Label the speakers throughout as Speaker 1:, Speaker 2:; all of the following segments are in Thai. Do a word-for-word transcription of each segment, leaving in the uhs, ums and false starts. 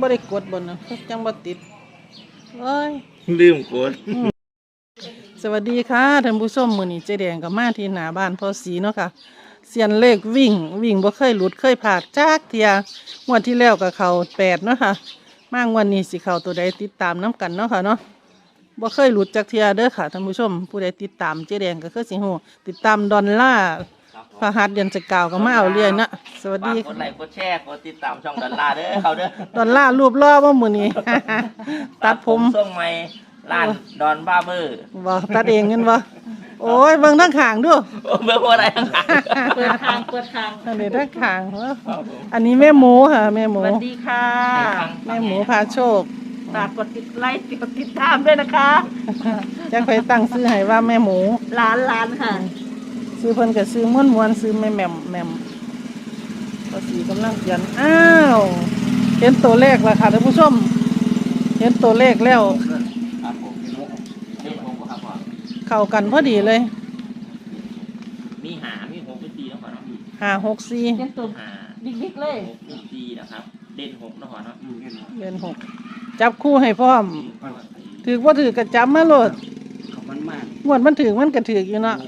Speaker 1: บ่ได้กดบนนะจังบ่ติดเอ้ย
Speaker 2: ลืมกด
Speaker 1: สวัสดีค่ะท่านผู้ชมมื้อนี้เจ๊แดงก็มาที่หน้าบ้านพ่อศรีเนาะค่ะเซียนเลขวิ่งวิ่งบ่เคยหลุดเคยพลาดจักเที่ยงวดที่แล้วก็เข้าแปดเนาะค่ะมางวดนี้สิเข้าตัวใดติดตามนํกันเนาะค่ะเนาะบ่เคยหลุดจักเที่ยเด้อค่ะท่านผู้ชมผู้ใดติดตามเจ๊แดงก็คือสิฮู้ติดตามดอลลาร์พระหัสเดือนจะกล่าวก็มาเอาเรื่อยนะสวัสดี
Speaker 2: กดไลค์กดแชร์กดติดตามช่องดอลลาร์เด้อเขาเด้อ
Speaker 1: ดอลลาร์รูปล่อบ่มื้อนี้ ตัดผม
Speaker 2: ส่งใหม่ร้านดอนบาร์เบอร์
Speaker 1: บ่ตัดเองเงินบ่โอ้ยเบิ่งทางข้างดู
Speaker 2: เบิ่งบ่ได้ทางข้าง
Speaker 3: เปิดทางเปิดทาง
Speaker 1: อันนี้ทางข้างอันนี้แม่หมูค่ะแม่หมู
Speaker 3: สวัสดีค่ะ
Speaker 1: แม่หมูพาโชค
Speaker 3: ฝากกดติดไลค์กดติดตามด้วยนะคะ
Speaker 1: จักไปตั้งชื่อให้ว่าแม่หมู
Speaker 3: ร้านร้านค่ะ
Speaker 1: ซื้อเพิ่นก็ซื้อม่วนๆซื้อแม่แหม่มแหม่มภาษีกำลังเขียนอ้าวเห็นตัวเลขแล้วค่ะท่านผู้ชมเห็นตัวเลขแล้วเข้ากันพอดีเลย
Speaker 2: มีหามีหกเป็นสี่แล้วก่อนเนาะ
Speaker 1: ห้าหกสี่
Speaker 3: เป็นตัวบิ๊กๆเลย
Speaker 2: หกเป็นสี่นะครับเด่นหกแล้วก่อนเนาะ
Speaker 1: เด่นหกจับคู่ให้พร้อมถือว่าถือกระจับมาโลดงวดมันถือมันกระถืออยู่เนาะ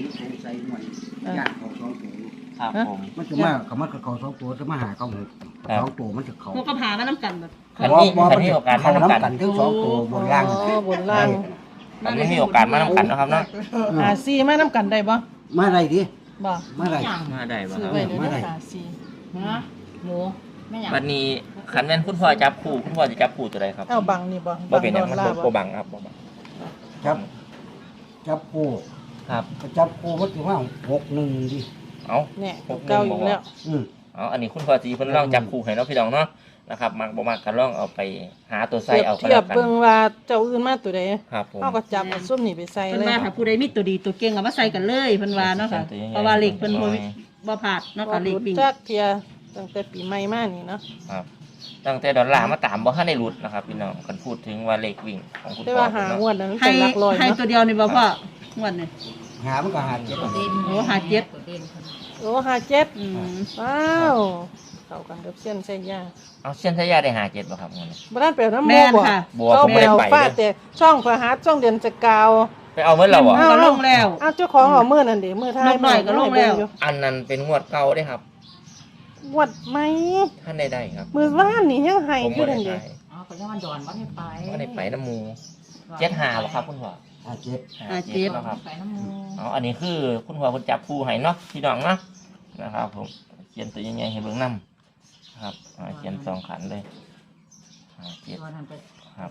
Speaker 2: ครับผม
Speaker 4: มันจะมาเขามันเขาสองตัวจะมาหาเขาหกสองตัวมันจะเขา
Speaker 3: พวกกระพามาน้ำกันแบบ
Speaker 2: อันนี้อันนี้โอกาสมาน้ำกัน
Speaker 4: ทั้งสองตัวบนล่าง
Speaker 1: บนล่าง
Speaker 2: อันนี้มีโอกาสมาน้ำกันนะครับเนาะ
Speaker 1: หาซีมาน้ำกันได้บ่
Speaker 4: มาได้ดิ
Speaker 1: บ่
Speaker 4: มาได้
Speaker 2: มาได้บ่ครับ
Speaker 1: มาได้หาซี
Speaker 3: ฮะหมูไม่อยาก
Speaker 2: วันนี้ขันแม่นคุณพ่อจับคู่คุณพ่อจะจับคู่ตัวใดครับ
Speaker 1: เอาบังนี่บ่
Speaker 2: บ่เป็นอย่างมันบ่บังครับบ่บัง
Speaker 4: จับจับคู่
Speaker 2: ครับ
Speaker 4: จับคู่มันถือว่าหกหนึ่งดิ
Speaker 2: เอา
Speaker 1: เนี่ยเก้าอยู่แล้ว
Speaker 4: อืม
Speaker 2: เอาอันนี้คุณพ่อจีเพิ่นลองจับคู่ให้เนาะพี่น้องเนาะนะครับมักบ่มักก็ลองเอาไปหาตัวใส่เอาก็
Speaker 1: แล้วกันเทียบเบิ่งว่าเจ้าอื่นมาตัวใด
Speaker 2: ครับผม
Speaker 1: เฮาก็จับเอาส้มนี่ไปใส่เลย
Speaker 3: เพิ่นว่าถ้าผู้ใดมีตัวดีตัวเก่งเอามาใส่กันเลยเพิ่นว่าเนาะค่ะเพราะว่าเลขเพิ่นบ่บ่พลาดเนาะค่ะเลขวิ่ง
Speaker 1: จักเทียตั้งแต่ปีใหม่มานี่เนาะ
Speaker 2: ครับตั้งแต่ดอลลาร์มาตามบ่ทันได้หลุดนะครับพี่น้องคันพูดถึงว่าเลขวิ่งของคุณพ่อ
Speaker 1: แต่ว่าหางวดนั้น
Speaker 3: ให้
Speaker 1: เป็นหลักร้อย
Speaker 3: ให้ตัวเดียวนี่บ่พ่องวดนี่
Speaker 4: หามันก็หาเจ็ด
Speaker 3: โอ้หาเจ็ด
Speaker 1: โอ้ห้าเจ็ด
Speaker 3: อืม
Speaker 1: ว้าวเข้ากันกับเส้นใส่ยา
Speaker 2: เอาเส้นใส่ยาได้หาเจ็ดบ่ครับงั้น
Speaker 1: บ่ทันไปเอาน้ำมูกบ่เขาไปเอาฟ้าแต่ช่องพระหัสช่องเดือนจะกาว
Speaker 2: ไปเอาเมื่อเราอ่ะ
Speaker 3: ก็ลงแล้ว
Speaker 1: อ้าวเจ้าของเอามื้อนั่นดิมื้อท้าย
Speaker 3: หน่อยก็ลงแล้ว
Speaker 2: อันนั้นเป็นงวดเก่าเด้ครับ
Speaker 1: งวดใหม่
Speaker 2: ท่านได้ได้ครับ
Speaker 1: มื้อวานนี่ยังให้อยู่นั่นดิ
Speaker 3: อ๋อก็ยังมันดอนบ่ได้ไป
Speaker 2: บ่ได้ไปน้ำมูเจ็ดห้าบ่ครับคุณพ่อ
Speaker 4: หาเจ็ด
Speaker 3: หาเจ็ด
Speaker 2: ครับอ๋ออันนี้คือคุณพ่อคุณจับคู่ให้เนาะพี่น้องเนาะนะครับผมเขียนตัวใหญ่ๆให้เบิ่งนำครับเขียนสองขันเลยหาเจ็ดครับ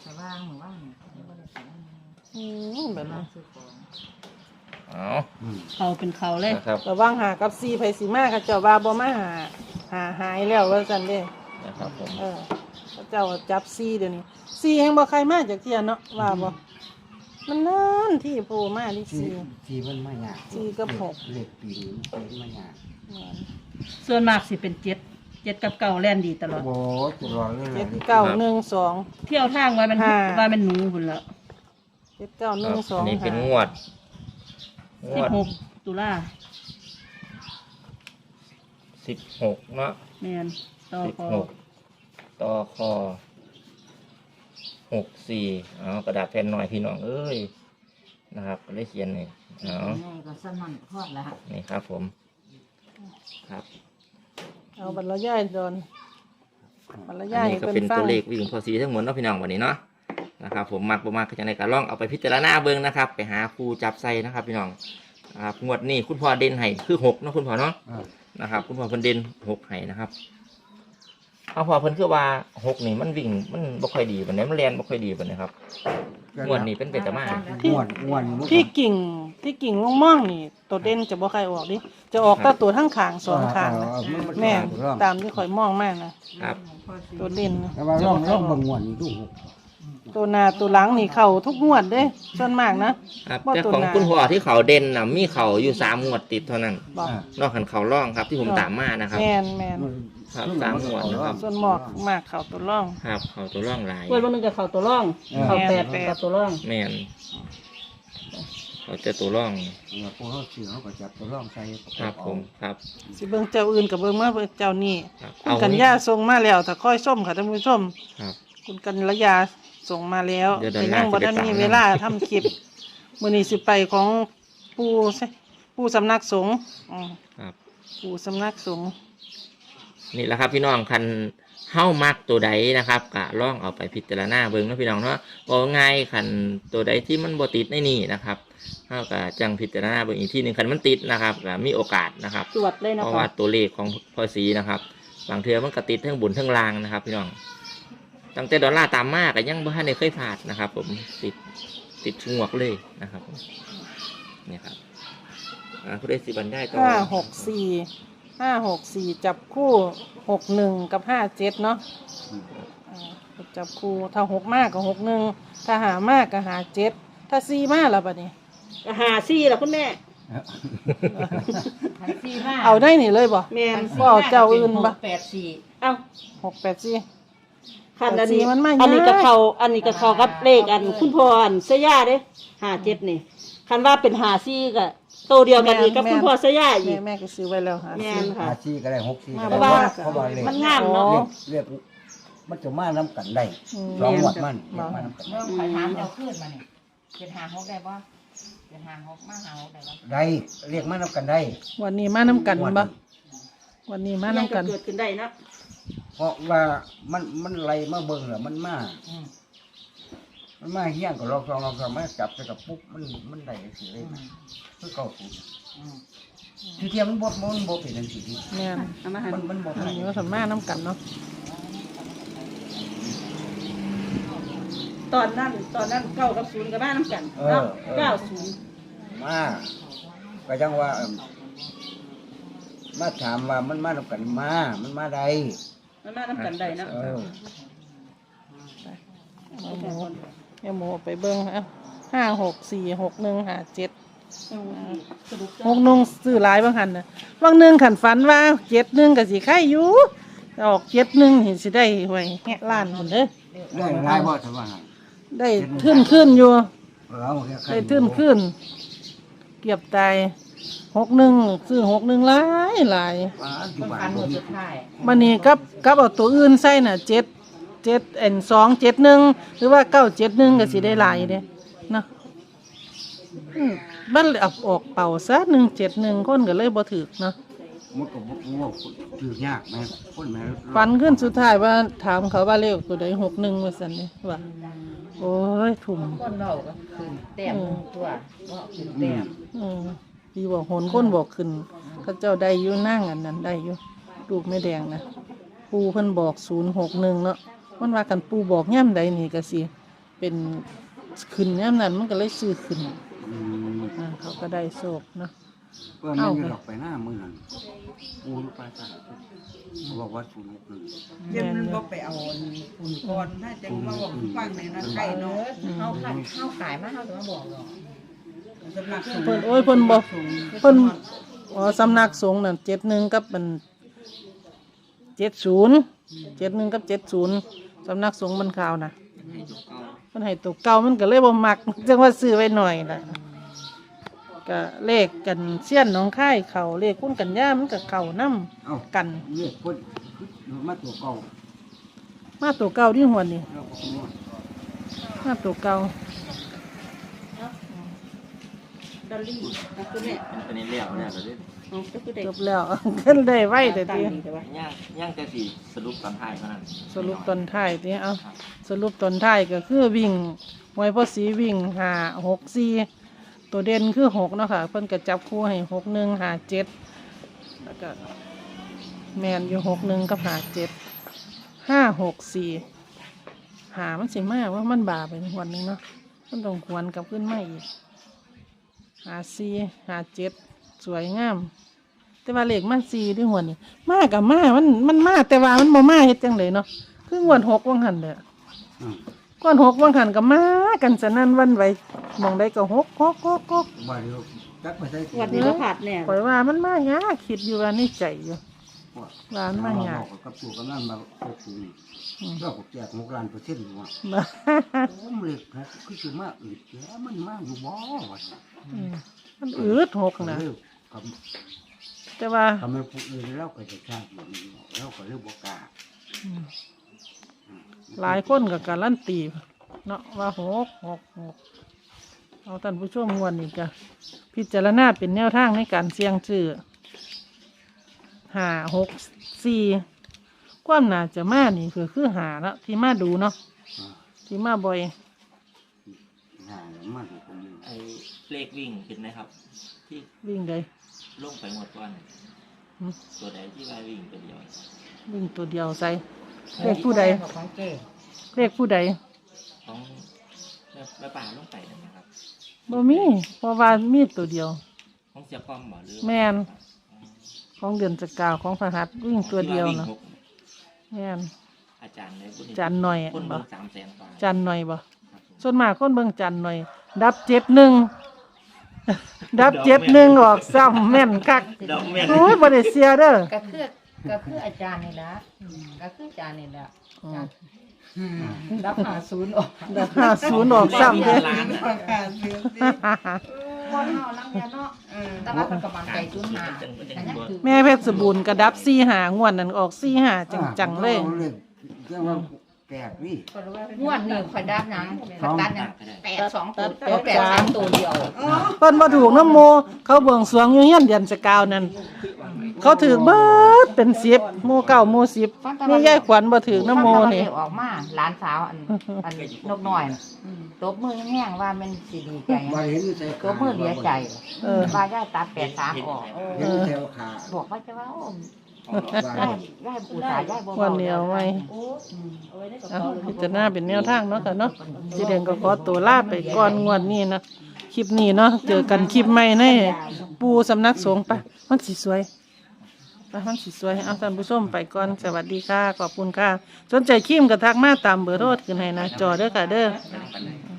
Speaker 1: อืมแบบนั้น
Speaker 2: อ๋อ
Speaker 3: เขาเป็นเขาเลย
Speaker 2: นะครับ
Speaker 1: ระวังหากับซีไผสิมาเขาเจ้าว่าบ่มาหาหาหายแล้วว่าซั่นเด้
Speaker 2: นะครับผม
Speaker 1: เออเขาเจ้าจับซีเดี๋ยวนี้ซีแฮงบ่ใครมาจากเที่ยเนาะว่าบ่มันนานที่โผล่มาดิซี
Speaker 4: ซีมันไม่ยาก
Speaker 1: ซีกับหก
Speaker 4: เลขปีนี้มันไม่ยาก
Speaker 3: ส่วนมากสิเป็นเจ็ดเจ็ดกับเก้าแล่นดีตลอด
Speaker 4: โอ้ตลอดเลย
Speaker 1: เจ็ดเก้าหนึ่งสอง
Speaker 3: เที่ยวทางว่ามันว่ามันหนูพุ่นแล้ว
Speaker 1: เจ็ดเก้าหนึ่งสอง
Speaker 2: นี่เป็นงวด
Speaker 3: สิบหกตุลา
Speaker 2: สิบหกเนาะ
Speaker 3: แม่นต่อคอ
Speaker 2: ต่อคอหกสี่เอากระดาษแผ่นหน่อยพี่น้องเอ้ยนะครับก็ได้เขียนนี่เอา
Speaker 3: ก็สนั่นพอดแล้ว
Speaker 2: นี่ครับผมครับ
Speaker 1: เอาบรรยายโดนบรรยาย
Speaker 2: นี่ก็เป็นตัวเลขวิ่งพอสีทั้งหมดเนาะพี่น้องวันนี้เนาะนะครับผมมักบ่มักก็จะในการล่องเอาไปพิจารณาเบิ่งนะครับไปหาครูจับใส่นะครับพี่น้องครับงวดนี้คุณพ่อเด่นให้คือหกเนาะคุณพ่อเนาะนะครับคุณพ่อเพิ่นเด่นหกให้นะครับเอาพอเพิ่นคือว่าหกนี่มันวิ่งมันบ่ค่อยดีปานใดมันแล่นบ่ค่อยดีปานใดครับงวดนี้เป็นเป็ดตะมา
Speaker 4: ที่
Speaker 1: ที่กิ่งที่กิ่งม่องๆนี่ตัวเด่นจะบ่ค่อยออกดิจะออกแต่ตัวทั้งข้างสองข้างนะแม่ตามที่ข่อยมองมากนะครับตัวเด่น
Speaker 4: แต่ว่าลองลองเบิ่งงวดนี้ดู
Speaker 1: ตัวหน้าตัวหลังนี่เข้าทุกงวดเด้ส่วนมากนะครับ
Speaker 2: แต่ของคุณพ่อที่เขาเด่นน่ะมีเขาอยู่สามงวดติดเท่านั้นนอกจากเขาร่องครับที่ผมตามมานะครับ
Speaker 1: แม่นแม่น
Speaker 2: ครับสามงวดนะครับ
Speaker 1: ส่วนหมอกมากเข้าตัวร่อง
Speaker 2: ครับเขาตัวร่องหลาย
Speaker 3: งวดวันนึงก็เข้าตัวร่องเข้าแปดกับตัวร่อง
Speaker 2: แม่นเราจะตัวร่อง
Speaker 4: เนี่ยพวกเขาซื้อเขาก็จับตัวร่องใส่
Speaker 2: ครับผมครับ
Speaker 1: สิเบิ่งเจ้าอื่นกับเบิ่งมาเบิ่งเจ้านี่
Speaker 2: ครับ
Speaker 1: คุณ
Speaker 2: เอา
Speaker 1: กัญ
Speaker 2: นี่
Speaker 1: ญาส่งมาแล้วถ้าค่อยส้มค่ะท่านผู้ชม
Speaker 2: ครับ
Speaker 1: คุณกัญญาส่งมาแล้ว
Speaker 2: เดี๋ยวเดิ
Speaker 1: แต่
Speaker 2: นห
Speaker 1: ยั
Speaker 2: น้าง
Speaker 1: บ่
Speaker 2: สิไป
Speaker 1: ทัน
Speaker 2: ตาม
Speaker 1: มี
Speaker 2: นะ
Speaker 1: เวลาทำคลิปมื้อนี้สิไปของปู่ใช่ปู่สำนักสงฆ์อืม
Speaker 2: ครับ
Speaker 1: ปู่สำนักสงฆ์
Speaker 2: นี่แหละครับพี่น้องคันเฮ้ามักตัวใดนะครับกะล่องเอาไปพิจารณาเบิ่งเนาะพี่น้องเนาะบอกง่ายคันตัวใดที่มันบ่ติดในนี่นะครับเฮาก็จังพิจารณาเบิ่งอีกทีหนึงคันมันติดนะครับก็มีโอกาสนะครับ
Speaker 3: ตรวจเลยนะ
Speaker 2: เพราะ
Speaker 3: คะ
Speaker 2: ว่าตัวเลขของพอสีนะครับบางเทือมันก็ติดทั้งบุญทั้งลางนะครับ พี่น้องตั้งแต่ดอลลาร์ตามมากก็ยังบ่ทันได้เคยผ่านนะครับ ผมติดติดชงวกเลยนะครับนี่ครับอ่าผู้ได้สิบันได้ต่อ
Speaker 1: ห้าหกสี่ห้าหกสี่จับคู่หกหนึ่งกับห้าเจ็ดเนาะอ่าจับคู่ถ้าหกมากก็หกหนึ่งถ้าหามากก็หาเจ็ดถ้าสี่มากแล้วบัดนี้
Speaker 3: หาซี่ล่ะคุณแม่
Speaker 5: พันสี่ห้า
Speaker 1: เอาได้นี่เลยบ่
Speaker 3: แม่น
Speaker 1: บ่เอาเจ้าอื่นบ่
Speaker 5: แปดสี่
Speaker 3: เอ้า
Speaker 1: หกแปดสี่
Speaker 3: คันอันนี้
Speaker 1: แต่สีมันมา
Speaker 3: อันนี้
Speaker 1: ยาก
Speaker 3: ก็เขาอันนี้ก็เขากับเลขอันคุณพ่ออันเสยาเด้หาเจ็ดนี่คันว่าเป็นหาซี่ก็โตวเดียวกันอีกกับคุณพ่อเสยาอี
Speaker 1: แม่
Speaker 3: ก
Speaker 1: แม่ก็ซื้อไว้แล้วหา
Speaker 3: แม่
Speaker 1: สี่
Speaker 3: นค่ะ
Speaker 4: หาซีก็ได้หกซีก็
Speaker 1: เพ
Speaker 4: ได้
Speaker 1: ราะว่า
Speaker 4: เพราะว่าเลข
Speaker 3: มันงามเนาะ
Speaker 4: เรียกมันจะมาน้ำกันได้
Speaker 1: อืม
Speaker 4: สองหวัดมันเรียกมาน้ำกัน
Speaker 5: เริ่มขอยถามเอาขึ้นมาเนี่ยเป็นหางหกได้ปะเป็นหางหกมาหางหกได้ปะ
Speaker 4: ได้เรียกมาน้ำกันได้
Speaker 1: วันนี้มาน้ำกันบ่วันนี้มา
Speaker 3: ยัง
Speaker 1: น้ำ
Speaker 3: ก็
Speaker 1: กัน
Speaker 3: เกิดขึ้นได้เนาะ
Speaker 4: เพราะว่ามันมันไล่มาเบิ่งแล้วมันมา
Speaker 5: อืม
Speaker 4: มันมาเฮี้ยงกับเราสองเราสองมาจับใส่กับปุ๊บมันมันได้สิเลยคือเก่าสูตร
Speaker 5: อืม
Speaker 4: ทีเทียมมันบดมันบดเป็นจังซี่
Speaker 1: แม่น
Speaker 3: เอามาให้
Speaker 4: มันมันบด
Speaker 1: อันนี้ว่าสันมาน้ำกันเนาะ
Speaker 3: ตอนนั้นตอนนั้นเก้ากับศูนย์กับบ้านน้ำกันเนาะเก้าศูนย์
Speaker 4: มาก็จังว่าเอิ่มมาถามว่ามันมาน้ำกันมา มันมาใด
Speaker 3: มันมาน้ำกันได้เนาะ
Speaker 4: เออ
Speaker 1: เอาหมูเอาหมูไปเบิ้งเอาห้าหกสี่หกหนึ่งหาเจ็ด
Speaker 3: สรุป
Speaker 1: หกหนึ่งซื้อหลายบางหันนะบางหนึ่งขันฝันว่าเจ็ดหนึ่งกับสีไข่อยู่ออกเจ็ดหนึ่งเห็นสิได้หวยแหะล้านคนเด้อ
Speaker 4: ได้หลายบ่ใช่ว่า
Speaker 1: ได้ขึ้นขึ้นอยู่
Speaker 4: เราแค่ใคร
Speaker 1: ได้ขึ้นขึ้นเกียบตายหกหนึ่งซื้อหกหนึ่งหลายหลาย
Speaker 4: ว่าอยู่
Speaker 5: ต้อง
Speaker 4: บ้า
Speaker 5: การ
Speaker 4: น
Speaker 5: หม
Speaker 4: บ่
Speaker 5: ด
Speaker 4: มี
Speaker 5: สุดท้าย
Speaker 1: มันนี่กับกับเอาตัวอื่นใส่น่ะเจ็ดเจ็ดเอ็นสองเจ็ดหนึ่งหรือว่าเก้าเจ็ดหนึ่งก็สิได้หลายเด้เนาะอืมบ้านเอาออกเป่าซะหนึ่งเจ็ดหนึ่งคนก็เลยบ่ถือเนาะ
Speaker 4: มันก็บ่ว่าถือยากแม่คนแม่
Speaker 1: ฟันขึ้นสุดท้ายว่าถามเขาว่าเลขตัวใดหกหนึ่งว่าสันนี่ว่าโอ้ยถุ่ม
Speaker 5: คนเราก็ขึ้นแต้มหนึ่งตัวว่าขึ้นแต้ม
Speaker 1: อืมดีบอกหนคนบอกขึ้นเขาเจ้าได้อยู่นั่งอันนั้นได้อยู่ลูกไม่แดงนะปูเพิ่นบอกศูนย์หกหนึ่งเนาะมันว่ากันปูบอกย่ำใดนี่ก็สิเป็นขึ้นย่ำนั้นมันก็เลยซื้อขึ้น
Speaker 4: อืม
Speaker 1: อ่าเขาก็ได้โชคเนาะ
Speaker 4: เพื่อมันอยู่ดอกไปหน้ามือนั่นปูนไปซะเขาบอกว่าศูนย์หกหนึ่ง
Speaker 1: แม่นอยู่
Speaker 6: บ่ไปเอาฝุ่นก่อนถ้าจะมาบอกฟังในนั้นใกล้เนาะ
Speaker 5: เข้าขายเข้าขายมาเข้าถึงมาบอกหรอก
Speaker 6: สำนักสงฆ์
Speaker 1: เพิ่นโอ้ยเพิ่นบอกเพิ่นอ๋อสำนักสงฆ์นั่นเจ็ดหนึ่งกับมันเจ็ดศูนย์เจ็ดหนึ่งกับเจ็ดศูนย์สำนักสงฆ์มันข่าวนะมันให้ตัวเก่ามันก็เลยบ่มักจังว่าซื้อไว้หน่อยล่ะก็เลขกันเสี้ยนหน้องค่ายเขาเลขคุ้นกันย่ามันก็เข่านํ
Speaker 4: เอ้า
Speaker 1: กัน
Speaker 4: เรียกคนมาตัวเก่า
Speaker 1: มาตัวเก่าที่หัวนี่
Speaker 4: เราก็คงว่า
Speaker 1: มาตัวเก่า
Speaker 3: ดอลลี่นะคุณแม่
Speaker 2: อันนี้เลี้ยวเนี่ยเราได้
Speaker 3: เอาก็คือได้
Speaker 1: จบแล้ว ขึ้นได้ไว้แต่
Speaker 3: ตั้ง
Speaker 1: ที
Speaker 3: ดีแต่ว่า
Speaker 2: ย่างย่างแต่สีสรุปตอนท้ายเท่านั้น
Speaker 1: สรุปตอนท้ายทีเอาสรุปตอนท้ายก็คือวิ่งมวยพ่อสีวิ่งหาหกสี่ตัวเด่นคือหกเนาะค่ะเพิ่นก็จับคู่ให้หกหนึ่งหาเจ็ดแล้วก็แมนอยู่หกหนึ่งกับหาเจ็ดห้าหกสี่หามันสิมากว่ามันบาไปวันหนึงเนาะมันต้องหวนกลับขึ้นมาอีกหาสี่หาเจ็ดสวยงาม แต่ว่าเลขมันสี่ด้วยหัวนี่มากับมามันมันมาแต่ว่ามันบ่มาเฮ็ดจังเลยเนาะคืองวดหกวังหันเด้อ
Speaker 4: อืม
Speaker 1: ก้อนหกวังหันกับมากันสนั่นหวันไหวมองได้ก็หกหกหกหก
Speaker 4: บ่เดียวจักไปใส่
Speaker 3: วันนี้เราขาดแน่
Speaker 1: ข่อยว่ามันมายากคิดอยู่ว่าในใจอยู่ว่ามันมายาก
Speaker 4: บอกกับตัวกำนันมาโอ้โหเราก็แจกหกล้านเปอร์เซ็นต์ว่า
Speaker 1: มา
Speaker 4: ผมเล็กนะคือสิมาอึดแกมันมาอยู่บ่วะ
Speaker 1: อืมมันอืดหกนะ
Speaker 4: เออค
Speaker 1: แต่ว่า
Speaker 4: ำคำมันผู้อื่นเราก็จะทราบแบบนี้เราก็เรื่องบอกกล้า
Speaker 1: อืมหลายคนกับการลั่นตีเนาะว่าหกหกหกเอาท่านผู้ชมงวนอีกจ้ะพิจารณาเป็นแนวทางในการเสี่ยงชื่อห้าหกสี่ความน่าจะมานี่คือคือหาเนาะที่มาดูเนาะ
Speaker 4: อ่า
Speaker 1: ที่มาบ่อย
Speaker 4: หาแล้วมันก็มี
Speaker 2: ไอ้เลขวิ่งเห็นไหมครับ ที่
Speaker 1: วิ่งใด
Speaker 2: ลงไปหมดก่อน
Speaker 1: หืม
Speaker 2: ตัวใดที่ว่าวิ่งตัวเดียว
Speaker 1: วิ่งตัวเดียวใส่เลขผู้ใด
Speaker 5: ของเจ๊
Speaker 1: เลขผู้ใด
Speaker 2: ของแม่แม่ป่าลงไปนั่นนะครับ
Speaker 1: บ่มีเพราะว่ามีตัวเดียว
Speaker 2: ของเสียป้อมบ่หรือ
Speaker 1: แม่น ของเดือนสกาวของพระหัตถ์วิ่งตัวเดียว
Speaker 2: ที่า
Speaker 1: นะ
Speaker 2: งหก
Speaker 1: แม่น
Speaker 2: อาจารย์ในบุญ
Speaker 1: จันหน่อย
Speaker 2: คน
Speaker 1: บ่
Speaker 2: เบิ่งสามแสนกว่า
Speaker 1: จันหน่อยบ่
Speaker 2: ครับผม
Speaker 1: ส่วนมากคนเบิ่งจันหน่อย ดับเจ็ดหนึ่ง ดับเจ็ดหนึ่งออกซ้ำแม่นคัก
Speaker 2: ดอกแม่น
Speaker 1: โอ้ยบ่ได้เสียเด้อ
Speaker 5: ก็คือก็คืออาจารย์นี่แหละก็คืออาจารย์นี่แหละ
Speaker 1: อืม
Speaker 5: รับหาศูนย์ออก
Speaker 1: ดับห้าศูนย์ออกซ้ำเด้อ
Speaker 2: ล้านนะ
Speaker 6: ประกาศเสียสิ
Speaker 5: คนเฮาลังเดียวเนาะ
Speaker 6: เออ
Speaker 5: แต่ว่าเป็นกำลังใจศูนย์หาอันนี้คือ
Speaker 1: แม่เพชรสบูรณ์กระดับสี่หางวดนั้นออกสี่หาจังๆเลย
Speaker 4: อาเรื่องเรื่องว่าแปลกนี่
Speaker 5: งวดนี้ข่อยดับหยังข่อยตัดหยังแปดสองตัว
Speaker 1: แปด
Speaker 5: แปดสามตัวเดียว
Speaker 1: เพิ่นบ่ถูกน้ำโม เขาเบิ่งสรวงอยู่เฮียนเดือนสกาวนั่นเขาถือเบิดเป็นสิบโมเก้าโมสิบนี่ยายขวัญบ่ถือน้ำโมนี่
Speaker 5: ออกมาหลานสาวอันอันนกน้อยน่ะตบมือแห้งๆว่ามันสิดีใจ
Speaker 4: ว่าเห็นอยู่ใส่
Speaker 5: ตบมือเหลียใจ
Speaker 1: เออ
Speaker 5: ว่าย่าตัดแปดสามออก
Speaker 4: เห็นอยู่ใส่ขา
Speaker 5: บอกว่าจะว่าโอ้
Speaker 4: ว่า
Speaker 5: ย่าย่าปูตาย่าบ่
Speaker 1: วันเดียวไว้ เอาพิจารณาเป็นแนวทางเนาะค่ะเนาะสิเดือนก็ขอตัวลาไปก่อนงวดนี้นะคลิปนี้เนาะเจอกันคลิปใหม่ในปูสำนักสงฆ์ไปมันสิสวยไปมันสิสวยเอาท่านผู้ชมไปก่อนสวัสดีค่ะขอบคุณค่ะสนใจครีมก็ทักมาตามเบอร์โทรขึ้นให้หนะจอเด้อค่ะเด้อ
Speaker 2: ปันไหน